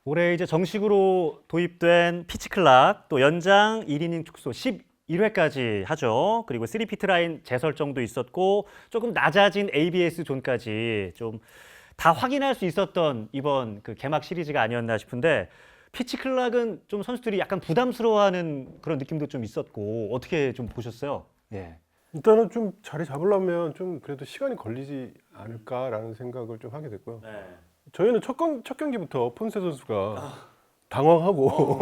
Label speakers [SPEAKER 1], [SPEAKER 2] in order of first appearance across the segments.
[SPEAKER 1] 올해 이제 정식으로 도입된 피치 클락, 또 연장 1이닝 축소 11회까지 하죠. 그리고 3피트 라인 재설정도 있었고 조금 낮아진 ABS 존까지 좀 다 확인할 수 있었던 이번 그 개막 시리즈가 아니었나 싶은데 피치 클락은 좀 선수들이 약간 부담스러워하는 그런 느낌도 좀 있었고 어떻게 좀 보셨어요? 예.
[SPEAKER 2] 일단은 좀 자리 잡으려면 좀 그래도 시간이 걸리지 않을까라는 생각을 좀 하게 됐고요.
[SPEAKER 1] 네.
[SPEAKER 2] 저희는 첫 경기부터 폰세 선수가 당황하고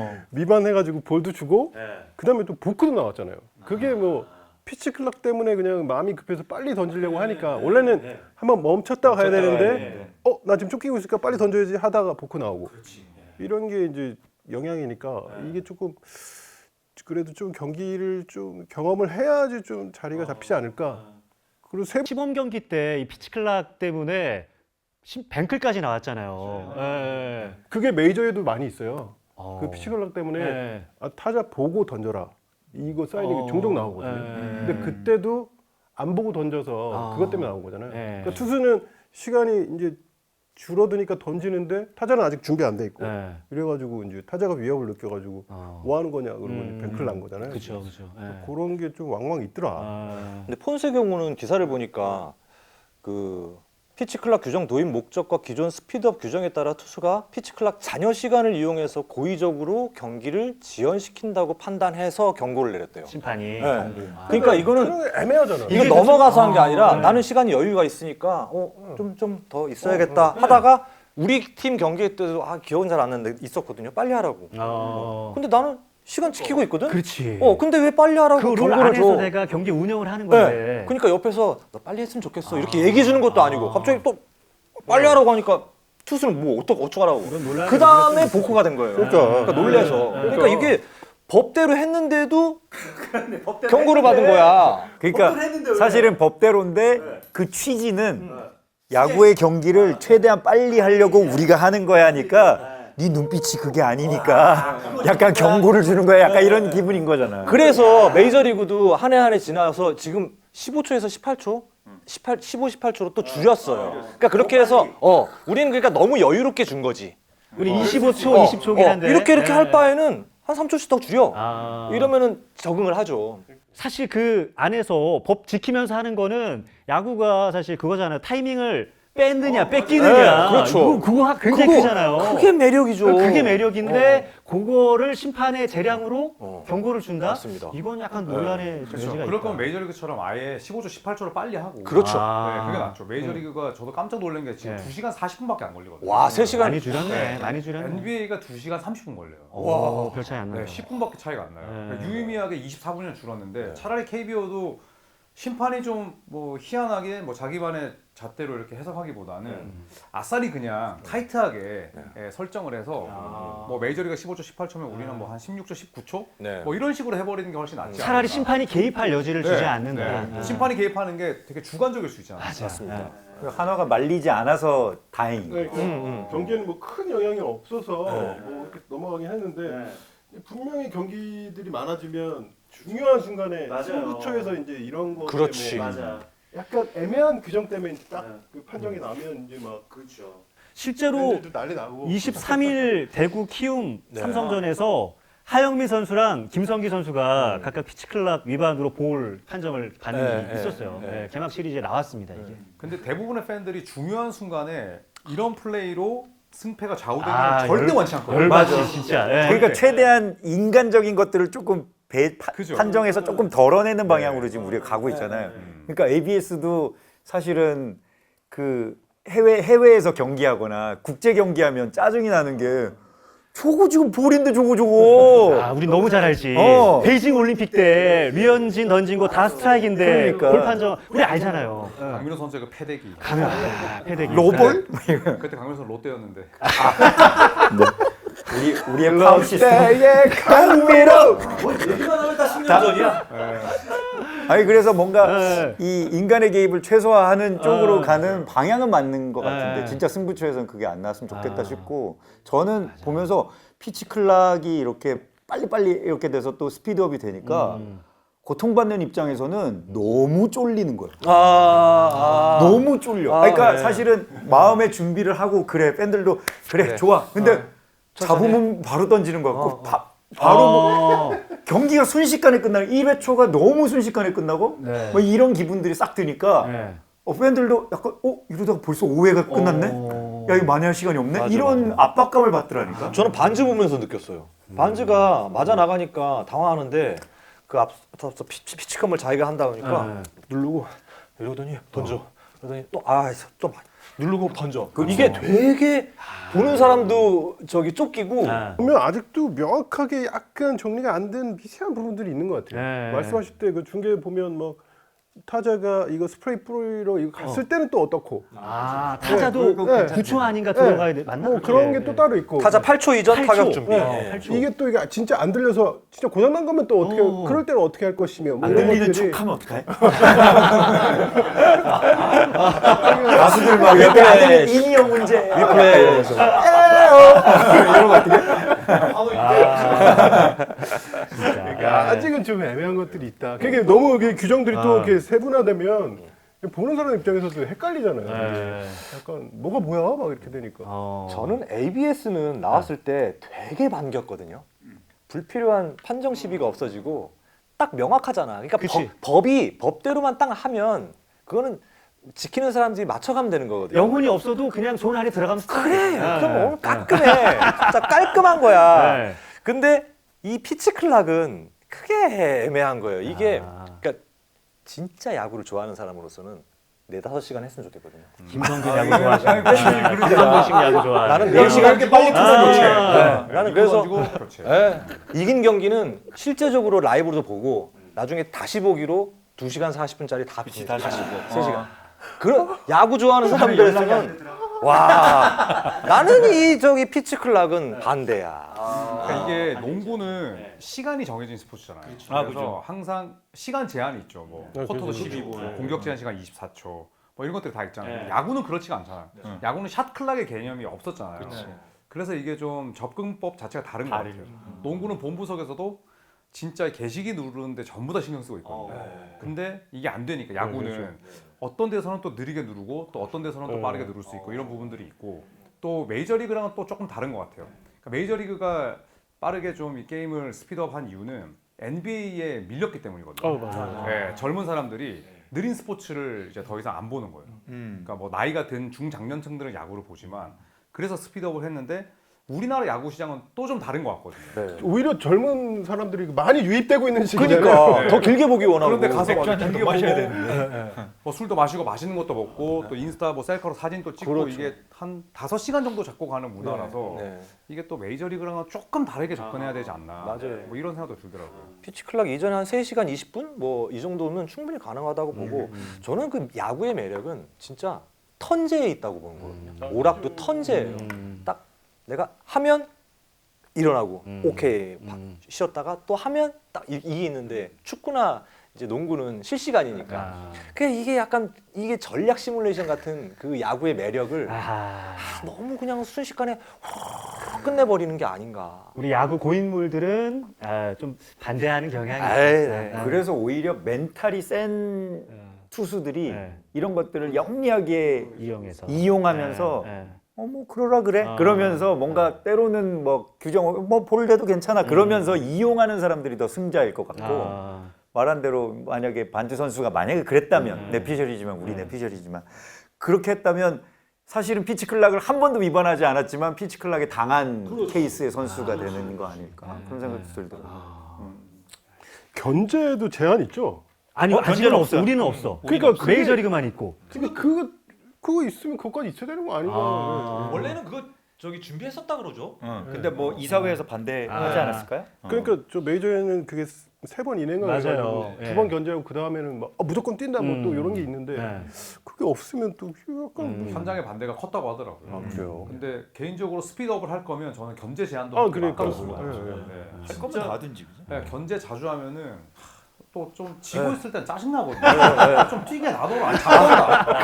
[SPEAKER 2] 미반해가지고 볼도 주고
[SPEAKER 1] 네.
[SPEAKER 2] 그다음에 또 보크도 나왔잖아요. 그게 뭐 피치 클락 때문에 그냥 마음이 급해서 빨리 던지려고 하니까 원래는 한번 멈췄다가 가야 되는데 나 지금 쫓기고 있으니까 빨리 던져야지 하다가 보크 나오고 이런 게 이제 영향이니까 이게 조금 그래도 좀 경기를 좀 경험을 해야지 좀 자리가 잡히지 않을까. 그리고
[SPEAKER 1] 시범 경기 때 이 피치 클락 때문에 뱅클까지 나왔잖아요. 예.
[SPEAKER 2] 그게 메이저에도 많이 있어요.
[SPEAKER 1] 어.
[SPEAKER 2] 그 피치 클락 때문에
[SPEAKER 1] 예.
[SPEAKER 2] 타자 보고 던져라. 이거 사인이 종종 나오거든요.
[SPEAKER 1] 예.
[SPEAKER 2] 근데 그때도 안 보고 던져서
[SPEAKER 1] 아.
[SPEAKER 2] 그것 때문에 나온 거잖아요.
[SPEAKER 1] 예.
[SPEAKER 2] 그러니까 투수는 시간이 이제 줄어드니까 던지는데 타자는 아직 준비 안 돼 있고
[SPEAKER 1] 예.
[SPEAKER 2] 이래가지고 이제 타자가 위협을 느껴가지고 뭐 하는 거냐 그러고 이제 뱅클 난 거잖아요.
[SPEAKER 1] 그렇죠, 그렇죠. 예.
[SPEAKER 2] 그런 게 좀 왕왕 있더라.
[SPEAKER 1] 아.
[SPEAKER 3] 근데 폰세 경우는 기사를 보니까 그 피치 클락 규정 도입 목적과 기존 스피드업 규정에 따라 투수가 피치 클락 잔여 시간을 이용해서 고의적으로 경기를 지연시킨다고 판단해서 경고를 내렸대요.
[SPEAKER 1] 심판이.
[SPEAKER 3] 네.
[SPEAKER 1] 경고. 아.
[SPEAKER 3] 그러니까 이거는
[SPEAKER 2] 그런 게 애매하잖아.
[SPEAKER 3] 이거 넘어가서 한 게 아니라
[SPEAKER 1] 네.
[SPEAKER 3] 나는 시간이 여유가 있으니까 좀 더 있어야겠다 하다가 우리 팀 경기 때도 기억은 잘 안 나는데 있었거든요. 빨리 하라고. 근데 나는 시간 지키고 있거든.
[SPEAKER 1] 그렇지.
[SPEAKER 3] 근데 왜 빨리 하라고
[SPEAKER 1] 그 룰
[SPEAKER 3] 경고를
[SPEAKER 1] 안에서
[SPEAKER 3] 줘?
[SPEAKER 1] 내가 경기 운영을 하는 건데.
[SPEAKER 3] 네. 그러니까 옆에서 너 빨리 했으면 좋겠어 이렇게 얘기해 주는 것도 아니고 갑자기 또 빨리 하라고 하니까 투수는 뭐 어떡하라고. 그 다음에 보크가 된 거예요. 그러니까 놀래서. 그러니까 이게 법대로 했는데도 경고를 받은 거야.
[SPEAKER 4] 그러니까 사실은 법대로인데 그 취지는 야구의 경기를 최대한 빨리 하려고 우리가 하는 거야 하니까 네 눈빛이 그게 아니니까 약간 경고를 주는 거야. 약간 이런 기분인 거잖아.
[SPEAKER 3] 그래서 메이저리그도 한 해 한 해 지나서 지금 15초에서 18초? 15, 18초로 또 줄였어요. 그러니까 그렇게 해서 우리는 그러니까 너무 여유롭게 준 거지.
[SPEAKER 1] 우리 25초, 20초긴 한데.
[SPEAKER 3] 이렇게
[SPEAKER 1] 네.
[SPEAKER 3] 할 바에는 한 3초씩 더 줄여.
[SPEAKER 1] 아.
[SPEAKER 3] 이러면은 적응을 하죠.
[SPEAKER 1] 사실 그 안에서 법 지키면서 하는 거는 야구가 사실 그거잖아요. 타이밍을 뺐느냐, 뺏기느냐.
[SPEAKER 3] 네, 그렇죠.
[SPEAKER 1] 그거 굉장히 크잖아요.
[SPEAKER 3] 그게 매력이죠.
[SPEAKER 1] 그게 매력인데 그거를 심판의 재량으로 경고를 준다?
[SPEAKER 3] 맞습니다.
[SPEAKER 1] 이건 약간 논란의
[SPEAKER 5] 그렇죠.
[SPEAKER 1] 여지가
[SPEAKER 5] 그럴
[SPEAKER 1] 있다.
[SPEAKER 5] 거면 메이저리그처럼 아예 15초, 18초를 빨리 하고.
[SPEAKER 3] 그렇죠.
[SPEAKER 5] 네, 그게 낫죠. 메이저리그가 저도 깜짝 놀란 게 지금
[SPEAKER 1] 네.
[SPEAKER 5] 2시간 40분밖에 안 걸리거든요.
[SPEAKER 3] 와, 3시간.
[SPEAKER 1] 많이 줄였네. 많이 줄였네.
[SPEAKER 5] NBA가 2시간 30분 걸려요.
[SPEAKER 1] 와, 별 차이 안 나요.
[SPEAKER 5] 네, 10분밖에 차이가 안 나요.
[SPEAKER 1] 네.
[SPEAKER 5] 그러니까 유의미하게 24분이나 줄었는데 차라리 KBO도 심판이 좀 뭐 희한하게 뭐 자기만의 잣대로 이렇게 해석하기보다는 아싸리 그냥 타이트하게 설정을 해서 뭐 메이저리가 15초, 18초면 우리는 뭐 한 16초, 19초
[SPEAKER 3] 네.
[SPEAKER 5] 뭐 이런 식으로 해버리는 게 훨씬 낫지 않을까.
[SPEAKER 1] 차라리 심판이 개입할 여지를 주지 않는다.
[SPEAKER 5] 네. 심판이 개입하는 게 되게 주관적일 수 있잖아요.
[SPEAKER 3] 맞습니다.
[SPEAKER 4] 한화가 말리지 않아서 다행이고.
[SPEAKER 2] 네, 경기에는 뭐 큰 영향이 없어서 뭐 이렇게 넘어가긴 했는데 분명히 경기들이 많아지면 중요한 순간에 승부처에서 이제 이런 거
[SPEAKER 3] 그렇지.
[SPEAKER 2] 때문에 약간 애매한 규정 때문에 딱 그 판정이 나면 이제 막
[SPEAKER 1] 실제로
[SPEAKER 2] 팬들도 난리 나고
[SPEAKER 1] 23일 대구 키움 삼성전에서 하영미 선수랑 김성기 선수가 각각 피치클락 위반으로 볼 판정을 받는 일이 있었어요. 네, 개막 시리즈에 나왔습니다, 이게.
[SPEAKER 5] 근데 대부분의 팬들이 중요한 순간에 이런 플레이로 승패가 좌우되는 건 절대 원치 않거든요.
[SPEAKER 1] 열받지, 진짜. 네.
[SPEAKER 4] 그러니까 최대한 인간적인 것들을 조금
[SPEAKER 5] 그죠.
[SPEAKER 4] 판정해서 조금 덜어내는 방향으로 지금 우리가 가고 있잖아요. 그러니까 ABS도 사실은 그 해외에서 경기하거나 국제 경기하면 짜증이 나는 게 저거 지금 볼인데 저거.
[SPEAKER 1] 우리 너무 잘 알지. 베이징 올림픽 때 류현진 던진 거 다 스트라이크인데
[SPEAKER 4] 그러니까.
[SPEAKER 1] 볼 판정 우리 알잖아요.
[SPEAKER 5] 강민호 선수의 그 패대기.
[SPEAKER 1] 패대기.
[SPEAKER 4] 로볼?
[SPEAKER 5] 그때 강민호 선수 롯데였는데.
[SPEAKER 4] 우리의 파워 시스템.
[SPEAKER 2] 강미로
[SPEAKER 3] 얘기만 하면 다 10년 전이야.
[SPEAKER 4] 아니 그래서 뭔가
[SPEAKER 1] 네.
[SPEAKER 4] 이 인간의 개입을 최소화하는 쪽으로 가는 방향은 맞는 것 같은데
[SPEAKER 1] 네.
[SPEAKER 4] 진짜 승부처에서는 그게 안 나왔으면 좋겠다 싶고 저는 보면서 피치 클락이 이렇게 빨리빨리 이렇게 돼서 또 스피드업이 되니까 고통받는 입장에서는 너무 쫄리는 거예요.
[SPEAKER 3] 아.
[SPEAKER 4] 너무 쫄려.
[SPEAKER 3] 아,
[SPEAKER 4] 그러니까
[SPEAKER 3] 네.
[SPEAKER 4] 사실은 마음의 준비를 하고 그래 팬들도 그래 좋아. 근데 잡으면 바로 던지는 거 같고 바로 뭐 경기가 순식간에 끝나는 1회 초가 너무 순식간에 끝나고
[SPEAKER 1] 네.
[SPEAKER 4] 뭐 이런 기분들이 싹 드니까
[SPEAKER 1] 네.
[SPEAKER 4] 팬들도 약간 이러다가 벌써 5회가 끝났네? 야 이거 만회할 시간이 없네? 이런 압박감을 받더라니까.
[SPEAKER 3] 저는 반즈 보면서 느꼈어요. 반즈가 맞아 나가니까 당황하는데 그 앞서 피치컴을 자기가 한다 보니까 누르고 이러더니 던져. 그러더니 또 누르고 던져. 이게 되게 보는 사람도 저기 쫓기고
[SPEAKER 2] 보면 아직도 명확하게 약간 정리가 안 된 미세한 부분들이 있는 것 같아요.
[SPEAKER 1] 네.
[SPEAKER 2] 말씀하실 때 그 중계 보면 뭐 타자가 이거 스프레이 뿌리러 이거 갔을 때는 또 어떻고
[SPEAKER 1] 타자도
[SPEAKER 2] 네.
[SPEAKER 1] 9초 아닌가
[SPEAKER 2] 네.
[SPEAKER 1] 들어가야 돼. 맞나?
[SPEAKER 2] 뭐 그런 게 또 따로 있고
[SPEAKER 3] 타자 8초 이전
[SPEAKER 1] 8초.
[SPEAKER 3] 타격 준비.
[SPEAKER 2] 네.
[SPEAKER 1] 8초.
[SPEAKER 2] 이게 또 이게 진짜 안 들려서 진짜 고장 난 거면 또 어떻게 그럴 때는 어떻게 할 것이며 뭐
[SPEAKER 4] 안
[SPEAKER 2] 이런
[SPEAKER 4] 들리는
[SPEAKER 2] 것들이
[SPEAKER 4] 척하면 어떡해? 가수들 막
[SPEAKER 3] 리플레이.
[SPEAKER 4] 안 들리는 인이어 문제.
[SPEAKER 3] 리플레이.
[SPEAKER 2] 그러니까 아직은 좀 애매한 것들이 있다. 그게 너무 그 규정들이 또 이렇게 세분화되면 보는 사람 입장에서도 헷갈리잖아요.
[SPEAKER 1] 네.
[SPEAKER 2] 약간 뭐가 뭐야 막 이렇게 되니까.
[SPEAKER 3] 저는 ABS는 나왔을 때 되게 반겼거든요. 불필요한 판정 시비가 없어지고 딱 명확하잖아. 그러니까
[SPEAKER 1] 그치.
[SPEAKER 3] 법대로만 딱 하면 그거는 지키는 사람들이 맞춰가면 되는 거거든요.
[SPEAKER 1] 영혼이 없어도 그냥 손 안에 들어가면
[SPEAKER 3] 그래. 그럼 오늘 깔끔해. 진짜 깔끔한 거야.
[SPEAKER 1] 네.
[SPEAKER 3] 근데 이 피치 클락은 크게 애매한 거예요. 이게 그러니까 진짜 야구를 좋아하는 사람으로서는 4-5시간 했으면 좋겠거든요.
[SPEAKER 1] 김성균 야구 좋아하시는 김성균식 야구 좋아하시는
[SPEAKER 3] 나는 4시간
[SPEAKER 5] 이렇게 빨리
[SPEAKER 3] 투자했지.
[SPEAKER 5] 아.
[SPEAKER 3] 나는 그래서
[SPEAKER 5] 그렇지.
[SPEAKER 3] 이긴 경기는 실제적으로 라이브로도 보고 나중에 다시 보기로 2시간 40분짜리 다 봅니다. 다시 보고 3시간. 그런 야구 좋아하는 사람들에서는 와 나는 이 저기 피치 클락은 반대야.
[SPEAKER 5] 그러니까 이게 농구는 시간이 정해진 스포츠잖아요. 그래서 항상 시간 제한이 있죠. 뭐 쿼터도 12분, 공격 제한 시간 24초, 뭐 이런 것들이 다 있잖아요. 야구는 그렇지가 않잖아요. 야구는 샷 클락의 개념이 없었잖아요. 그래서 이게 좀 접근법 자체가 다른 것 같아요. 농구는 본부석에서도 진짜 개시기 누르는데 전부 다 신경 쓰고 있거든요. 근데 이게 안 되니까 야구는 어떤 데서는 또 느리게 누르고 또 어떤 데서는 또 빠르게 누를 수 있고 이런 부분들이 있고 또 메이저리그랑은 또 조금 다른 것 같아요. 그러니까 메이저리그가 빠르게 좀 이 게임을 스피드업한 이유는 NBA에 밀렸기 때문이거든요.
[SPEAKER 2] 맞아요.
[SPEAKER 5] 네, 젊은 사람들이 느린 스포츠를 이제 더 이상 안 보는 거예요. 그러니까 뭐 나이가 든 중장년층들은 야구를 보지만 그래서 스피드업을 했는데 우리나라 야구 시장은 또 좀 다른 것 같거든요.
[SPEAKER 2] 오히려 젊은 사람들이 많이 유입되고 있는 시기잖아요.
[SPEAKER 3] 그러니까 더 길게 보기 원하고.
[SPEAKER 5] 그런데 가서 막 길게 마셔야 되는데 뭐 술도 마시고 맛있는 것도 먹고 또 인스타 뭐 셀카로 사진도 찍고
[SPEAKER 3] 그렇죠.
[SPEAKER 5] 이게 한 5시간 정도 잡고 가는 문화라서
[SPEAKER 3] 네.
[SPEAKER 5] 이게 또 메이저리그랑은 조금 다르게 접근해야 되지 않나
[SPEAKER 3] 맞아요.
[SPEAKER 5] 뭐 이런 생각도 들더라고요.
[SPEAKER 3] 피치 클락 이전에 한 3시간 20분 뭐 이 정도면 충분히 가능하다고 보고 저는 그 야구의 매력은 진짜 턴제에 있다고 보는 거거든요. 오락도 턴제예요. 딱 내가 하면 일어나고 오케이 쉬었다가 또 하면 딱 이게 있는데 축구나 이제 농구는 실시간이니까 이게 약간 이게 전략 시뮬레이션 같은 그 야구의 매력을 너무 그냥 순식간에 끝내버리는 게 아닌가.
[SPEAKER 1] 우리 야구 고인물들은 좀 반대하는 경향이 있어요.
[SPEAKER 4] 그래서 오히려 멘탈이 센 투수들이
[SPEAKER 1] 네.
[SPEAKER 4] 이런 것들을 영리하게
[SPEAKER 1] 이용해서
[SPEAKER 4] 이용하면서
[SPEAKER 1] 네.
[SPEAKER 4] 뭐 그러라 그래 그러면서 뭔가 때로는 뭐 규정 뭐 볼래도 괜찮아 그러면서 이용하는 사람들이 더 승자일 것 같고 말한 대로 만약에 반지 선수가 만약에 그랬다면 내 피셜이지만 우리 내 피셜이지만 그렇게 했다면 사실은 피치 클락을 한 번도 위반하지 않았지만 피치 클락에 당한 케이스의 선수가 되는 거 아닐까 그런 생각도 들더라고요.
[SPEAKER 2] 견제도 제한 있죠.
[SPEAKER 1] 아니 아직은 없어. 우리는 없어.
[SPEAKER 2] 그러니까 그게-
[SPEAKER 1] 메이저리그만 있고.
[SPEAKER 2] 근데 그거 있으면 그것까지 있어야 되는 거 아닌가?
[SPEAKER 6] 원래는 그거 저기 준비했었다 그러죠.
[SPEAKER 4] 근데 뭐 이사회에서 반대하지 않았을까요?
[SPEAKER 2] 그러니까 저 메이저에는 그게 3번 인행을
[SPEAKER 1] 맞아요.
[SPEAKER 2] 해가지고
[SPEAKER 1] 예.
[SPEAKER 2] 2번 견제하고 그 다음에는 막 무조건 뛴다 뭐 또 이런 게 있는데
[SPEAKER 1] 네.
[SPEAKER 2] 그게 없으면 또 약간
[SPEAKER 5] 현장의 반대가 컸다고 하더라고요.
[SPEAKER 2] 그래요.
[SPEAKER 5] 근데 개인적으로 스피드업을 할 거면 저는 견제 제한도
[SPEAKER 2] 아,
[SPEAKER 5] 좀
[SPEAKER 2] 그러니까.
[SPEAKER 5] 아까워 보여요.
[SPEAKER 2] 예, 예.
[SPEAKER 5] 네.
[SPEAKER 4] 할 거면 다 던지죠.
[SPEAKER 5] 네, 견제 자주 하면은 또 좀 지고 있을 땐 짜증 나거든요. 좀 뛰게 놔둬라. 안 잘한다.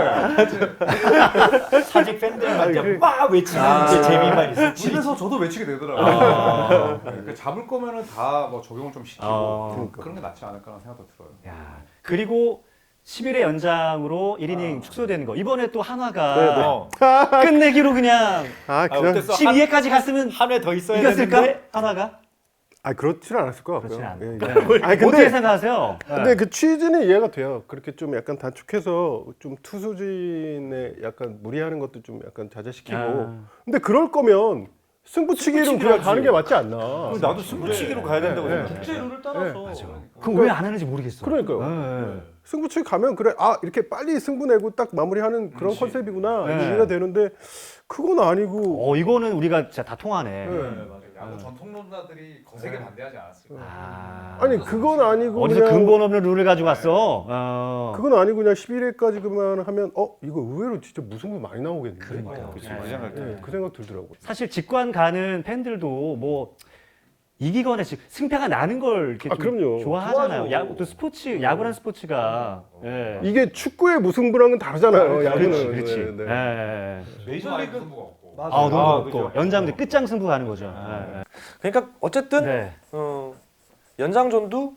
[SPEAKER 4] 사직 팬들한테 막 외치는 게 재미만 있어.
[SPEAKER 5] 집에서 저도 외치게 되더라고요. 네, 잡을 거면은 다 뭐 적용을 좀 시키고 그런 게 낫지 않을까라는 생각도 들어요.
[SPEAKER 1] 야, 그리고 10일의 연장으로 1이닝 축소되는 거. 이번에 또 한화가 끝내기로 그냥
[SPEAKER 2] 그냥
[SPEAKER 4] 어땠어?
[SPEAKER 1] 12회까지 갔으면
[SPEAKER 4] 한 회 더 있어야
[SPEAKER 1] 이겼을까?
[SPEAKER 4] 되는데
[SPEAKER 1] 한화가?
[SPEAKER 2] 그렇지는 않았을 것
[SPEAKER 1] 그렇지
[SPEAKER 2] 같고요.
[SPEAKER 1] 않아요.
[SPEAKER 2] 예,
[SPEAKER 1] 네.
[SPEAKER 2] 예. 아니,
[SPEAKER 1] 어떻게 생각하세요?
[SPEAKER 2] 근데 그 취지는 이해가 돼요. 그렇게 좀 약간 단축해서 좀 투수진에 약간 무리하는 것도 좀 약간 자제시키고. 근데 그럴 거면 승부치기로 그냥 가는 게 맞지 않나.
[SPEAKER 4] 나도 승부치기로 가야 된다고 생각해.
[SPEAKER 6] 국제 룰을 따라서.
[SPEAKER 1] 그럼 왜 안 하는지 모르겠어.
[SPEAKER 2] 그러니까요. 승부치기 가면 그래 이렇게 빨리 승부 내고 딱 마무리하는 그런 컨셉이구나 이해가 되는데 그건 아니고.
[SPEAKER 1] 이거는 우리가 진짜 다 통하네.
[SPEAKER 5] 맞아요. 야구 전통론자들이 거세게 반대하지 않았을까.
[SPEAKER 2] 아니 그건 아니고
[SPEAKER 1] 어디서
[SPEAKER 2] 그냥
[SPEAKER 1] 근본 없는 룰을 가지고 왔어?
[SPEAKER 2] 그건 아니고 그냥 11회까지 그만 하면 이거 의외로 진짜 무승부 많이 나오겠는데.
[SPEAKER 1] 그러니까요.
[SPEAKER 2] 그 생각 들더라고.
[SPEAKER 1] 사실 직관 가는 팬들도 뭐 이기거나 승패가 나는 걸 이렇게 좀
[SPEAKER 2] 그럼요.
[SPEAKER 1] 좋아하잖아요. 또 야구란 스포츠가
[SPEAKER 2] 이게 축구의 무승부랑은 다르잖아요. 야구는.
[SPEAKER 1] 그렇지.
[SPEAKER 2] 네, 네.
[SPEAKER 6] 메이저리그
[SPEAKER 5] 승부가 없고.
[SPEAKER 1] 너무 없고 연장도 끝장 승부 가는 거죠.
[SPEAKER 7] 그러니까 어쨌든
[SPEAKER 1] 네.
[SPEAKER 7] 연장전도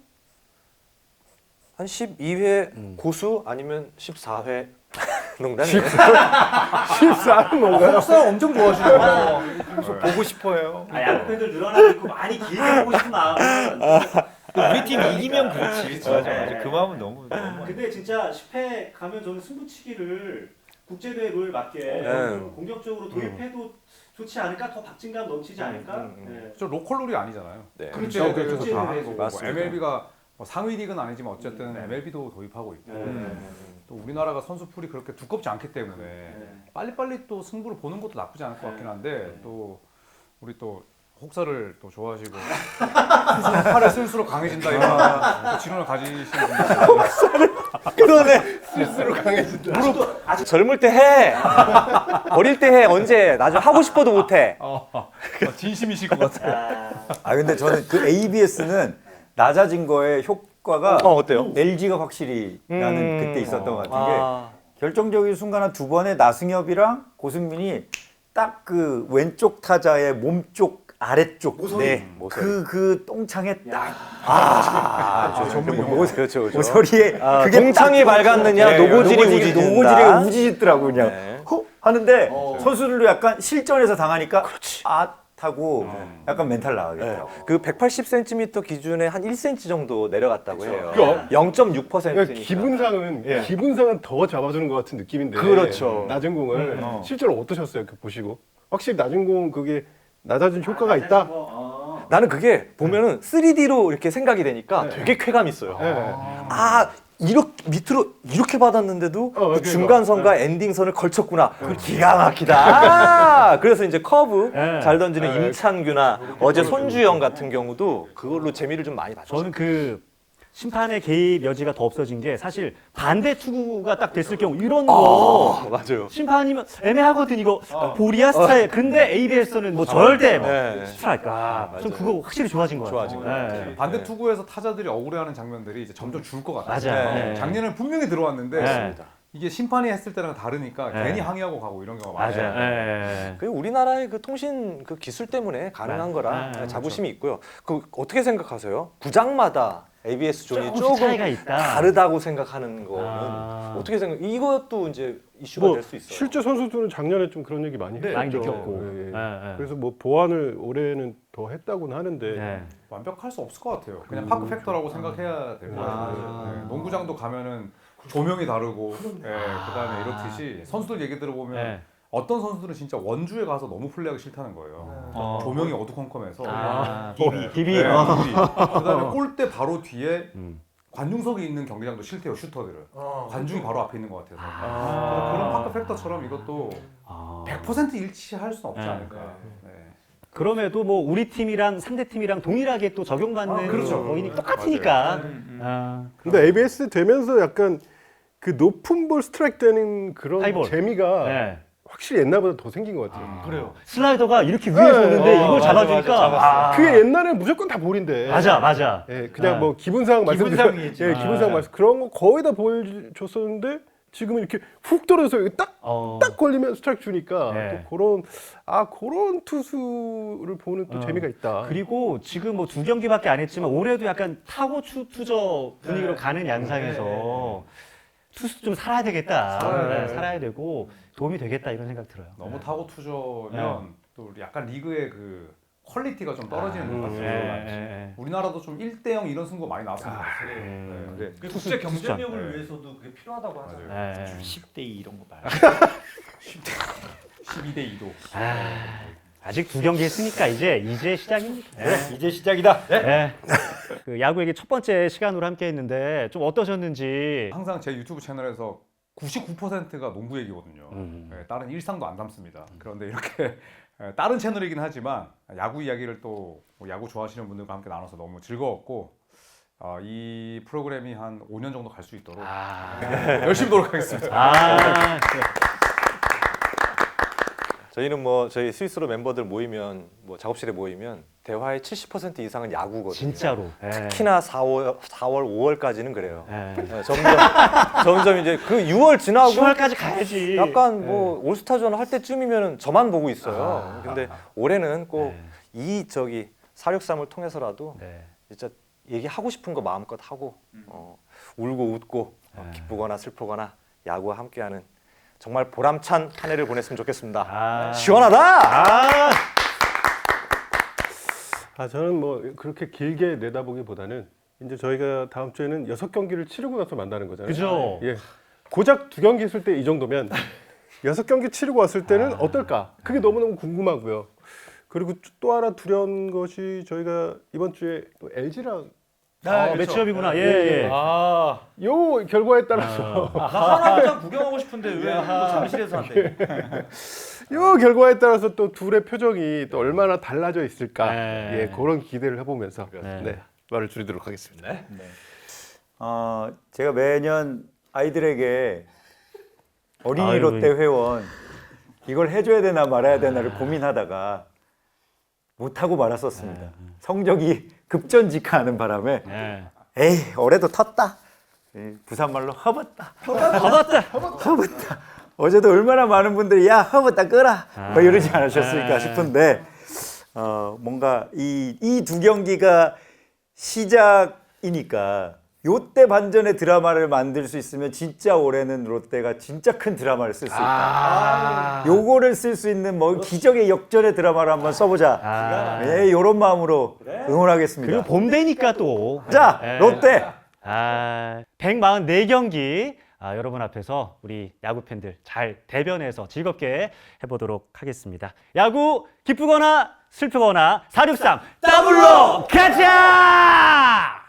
[SPEAKER 7] 한 12회 고수 아니면 14회 농담이에요.
[SPEAKER 2] 14는 뭔가요?
[SPEAKER 5] 속상 엄청 좋아하시네요.
[SPEAKER 4] 보고 싶어요.
[SPEAKER 1] 야구 팬들 늘어나고 있고 많이 길게 보고 싶은 마음은.
[SPEAKER 4] 우리 팀 이기면 그렇지. 맞아. 그 마음은 너무.
[SPEAKER 1] 근데 진짜 10회 가면 저는 승부치기를 국제대회 룰 맞게 공격적으로 도입해도 좋지 않을까? 더 박진감 넘치지 않을까?
[SPEAKER 5] 저 로컬 룰이 아니잖아요.
[SPEAKER 7] 네.
[SPEAKER 5] 그렇죠. 그래서
[SPEAKER 1] 그렇죠.
[SPEAKER 5] 다 하는 거고.
[SPEAKER 7] 맞습니다.
[SPEAKER 5] MLB가 상위 리그는 아니지만 어쨌든 MLB도 도입하고 있고 또 우리나라가 선수풀이 그렇게 두껍지 않기 때문에 빨리빨리 또 승부를 보는 것도 나쁘지 않을 것 같긴 한데 또 우리 또 혹사를 또 좋아하시고 팔을 쓸수록 강해진다 이런 또 지론을 가지시는 분들
[SPEAKER 7] 그러네.
[SPEAKER 2] 스스로 강해진다.
[SPEAKER 7] 젊을 때 해. 어릴 때 해. 언제? 나중에 하고 싶어도 못 해.
[SPEAKER 5] 진심이실 것 같아요.
[SPEAKER 4] 근데 저는 그 ABS는 낮아진 거에 효과가
[SPEAKER 7] 어때요?
[SPEAKER 4] LG가 확실히 나는 그때 있었던 것 같은 게 결정적인 순간 한 두 번에 나승엽이랑 고승민이 딱 그 왼쪽 타자의 몸쪽 아래쪽 그 똥창에 딱
[SPEAKER 7] 그렇죠.
[SPEAKER 4] 모서리에 그게
[SPEAKER 7] 동창이 밝았느냐, 노고질이 우지진다.
[SPEAKER 4] 노고질이 우지짓더라고 그냥
[SPEAKER 7] 네.
[SPEAKER 4] 하는데 선수들도 약간 실전에서 당하니까 하고 약간 멘탈 나가겠더라고.
[SPEAKER 7] 그 180cm 기준에 한 1cm 정도 내려갔다고 해요.
[SPEAKER 2] 그럼.
[SPEAKER 7] 0.6%니까.
[SPEAKER 2] 기분상은 더 잡아주는 것 같은 느낌인데.
[SPEAKER 7] 그렇죠.
[SPEAKER 2] 낮은 공을 실제로 어떠셨어요? 이렇게 보시고 확실히 낮은 공 그게 낮아진 효과가 있다.
[SPEAKER 7] 나는 그게 보면은 3D로 이렇게 생각이 되니까 되게 쾌감 있어요. 이렇게 밑으로 이렇게 받았는데도 그 중간선과 엔딩선을 걸쳤구나. 기가 막히다. 그래서 이제 커브 잘 던지는 임창규나 어제 손주영 같은 경우도 그걸로 재미를 좀 많이 봤죠.
[SPEAKER 1] 저는 그 심판의 개입 여지가 더 없어진 게 사실 반대 투구가 딱 됐을 경우 이런 거
[SPEAKER 7] 맞아요.
[SPEAKER 1] 심판이면 애매하거든 이거 볼이야 스타일. 근데 ABS는 뭐 절대 스트라이크. 전 그거 확실히 좋아진 것 같아요.
[SPEAKER 7] 좋아진 것 같아요.
[SPEAKER 5] 반대 투구에서 타자들이 억울해하는 장면들이 이제 점점 줄 것 같아요.
[SPEAKER 1] 맞아요.
[SPEAKER 5] 작년에는 분명히 들어왔는데
[SPEAKER 1] 네.
[SPEAKER 5] 이게 심판이 했을 때랑 다르니까 괜히 항의하고 가고 이런 경우가 많아요.
[SPEAKER 1] 맞아요.
[SPEAKER 7] 그 우리나라의 그 통신 그 기술 때문에 가능한 거라 자부심이 있고요. 그 어떻게 생각하세요? 구장마다 ABS 존이 조금
[SPEAKER 1] 차이가 있다.
[SPEAKER 7] 다르다고 생각하는 거는 어떻게 생각? 이것도 이제 이슈가 될 수 있어요.
[SPEAKER 2] 실제 선수들은 작년에 좀 그런 얘기 많이 했죠.
[SPEAKER 1] 많이 느꼈고.
[SPEAKER 2] 그래서 뭐 보완을 올해는 더 했다고는 하는데
[SPEAKER 5] 완벽할 수 없을 것 같아요. 그냥 파크 팩터라고 생각해야 될 것 같아요. 농구장도 가면은 조명이 다르고, 그다음에 이렇듯이 선수들 얘기 들어보면 어떤 선수들은 진짜 원주에 가서 너무 플레이하기 싫다는 거예요. 조명이 어두컴컴해서
[SPEAKER 1] 비비.
[SPEAKER 5] 그다음에 골대 바로 뒤에 관중석이 있는 경기장도 싫대요. 슈터들은 관중이 바로 앞에 있는 것 같아서 그래서 그런 파크 팩터처럼 이것도 100% 일치할 수는 없지 않을까.
[SPEAKER 1] 그럼에도 뭐 우리 팀이랑 상대 팀이랑 동일하게 또 적용받는
[SPEAKER 5] 그렇죠.
[SPEAKER 1] 거이니 똑같으니까.
[SPEAKER 2] 근데 ABS 되면서 약간 그 높은 볼 스트라이크 되는 그런
[SPEAKER 1] 하이볼.
[SPEAKER 2] 재미가 확실히 옛날보다 더 생긴 것 같아요.
[SPEAKER 6] 그래요.
[SPEAKER 1] 슬라이더가 이렇게 위에서
[SPEAKER 2] 네.
[SPEAKER 1] 오는데 이걸
[SPEAKER 6] 맞아,
[SPEAKER 1] 잡아주니까
[SPEAKER 6] 맞아,
[SPEAKER 2] 그게 옛날에 무조건 다 볼인데.
[SPEAKER 1] 맞아.
[SPEAKER 2] 예, 그냥
[SPEAKER 1] 아.
[SPEAKER 2] 뭐 기분상
[SPEAKER 6] 기분상이지.
[SPEAKER 2] 예, 기분상 말씀 그런 거 거의 다 보여줬었는데 지금은 이렇게 훅 떨어져서 여기 딱 걸리면 스트라이크 주니까
[SPEAKER 1] 네.
[SPEAKER 2] 또 그런 투수를 보는 또 재미가 있다.
[SPEAKER 1] 그리고 지금 뭐 2경기밖에 안 했지만 올해도 약간 타고 투저 분위기로 가는 양상에서 투수 좀 살아야 되겠다. 살아야 되고 도움이 되겠다 이런 생각 들어요.
[SPEAKER 5] 너무 타고 투저면 또 약간 리그의 그 퀄리티가 좀 떨어지는 것 같아요. 우리나라도 좀 1대0 이런 승부 많이 나왔으면 좋겠어요.
[SPEAKER 3] 그래.
[SPEAKER 6] 그 국제 경쟁력을
[SPEAKER 5] 네.
[SPEAKER 6] 위해서도 그게 필요하다고 하잖아요.
[SPEAKER 4] 10대 2 이런 거 봐요.
[SPEAKER 5] 12대 2도.
[SPEAKER 1] 아직 2경기 했으니까 이제 시작입니다.
[SPEAKER 4] 이제 시작이다.
[SPEAKER 1] 그 야구 얘기 첫 번째 시간으로 함께 했는데 좀 어떠셨는지.
[SPEAKER 5] 항상 제 유튜브 채널에서 99%가 농구 얘기거든요. 다른 일상도 안 담습니다. 그런데 이렇게 다른 채널이긴 하지만 야구 이야기를 또뭐 야구 좋아하시는 분들과 함께 나눠서 너무 즐거웠고 이 프로그램이 한 5년 정도 갈 수 있도록 열심히 노력하겠습니다.
[SPEAKER 7] 저희는 뭐 저희 스위스로 멤버들 모이면 뭐 작업실에 모이면 대화의 70% 이상은 야구거든요.
[SPEAKER 1] 진짜로.
[SPEAKER 7] 특히나 4월, 5월까지는 그래요.
[SPEAKER 1] 예.
[SPEAKER 7] 점점 이제 그 6월 지나고
[SPEAKER 1] 10월까지 가야지.
[SPEAKER 7] 약간 뭐 올스타전 할 때쯤이면 저만 보고 있어요. 근데 올해는 꼭 이 저기 463을 통해서라도 진짜 얘기하고 싶은 거 마음껏 하고 울고 웃고 기쁘거나 슬프거나 야구와 함께하는 정말 보람찬 한 해를 보냈으면 좋겠습니다. 시원하다.
[SPEAKER 2] 저는 뭐 그렇게 길게 내다보기보다는 이제 저희가 다음 주에는 6경기를 치르고 나서 만나는 거잖아요.
[SPEAKER 1] 그죠?
[SPEAKER 2] 예. 고작 2경기 했을 때 이 정도면 6경기 치르고 왔을 때는 어떨까? 그게 너무너무 궁금하고요. 그리고 또 하나 두려운 것이 저희가 이번 주에 또 LG랑
[SPEAKER 1] 매치업이구나. 예.
[SPEAKER 2] 요 결과에 따라서
[SPEAKER 6] 나 하나만 구경하고 싶은데 왜 이거 잠실에서 한대?
[SPEAKER 2] 요 결과에 따라서 또 둘의 표정이 또 얼마나 달라져 있을까?
[SPEAKER 1] 네.
[SPEAKER 2] 예, 그런 기대를 해보면서
[SPEAKER 1] 네.
[SPEAKER 2] 말을 줄이도록 하겠습니다.
[SPEAKER 4] 제가 매년 아이들에게 어린이
[SPEAKER 1] 아이고.
[SPEAKER 4] 롯데 회원 이걸 해줘야 되나 말아야 되나를 고민하다가 못하고 말았었습니다. 성적이 급전직하하는 바람에 에이 올해도 텄다. 부산말로 허벗다. 허벗다. 어제도 얼마나 많은 분들이 야 허벗다 끄라 뭐 이러지 않으셨을까 싶은데 뭔가 이 두 경기가 시작이니까 요때 반전의 드라마를 만들 수 있으면 진짜 올해는 롯데가 진짜 큰 드라마를 쓸 수 있다. 요거를 쓸 수 있는 뭐 기적의 역전의 드라마를 한번 써보자. 요런 마음으로 응원하겠습니다.
[SPEAKER 1] 그리고 봄 되니까 또.
[SPEAKER 4] 자, 롯데.
[SPEAKER 1] 144경기 여러분 앞에서 우리 야구 팬들 잘 대변해서 즐겁게 해보도록 하겠습니다. 야구 기쁘거나 슬프거나 463 더블로 가자!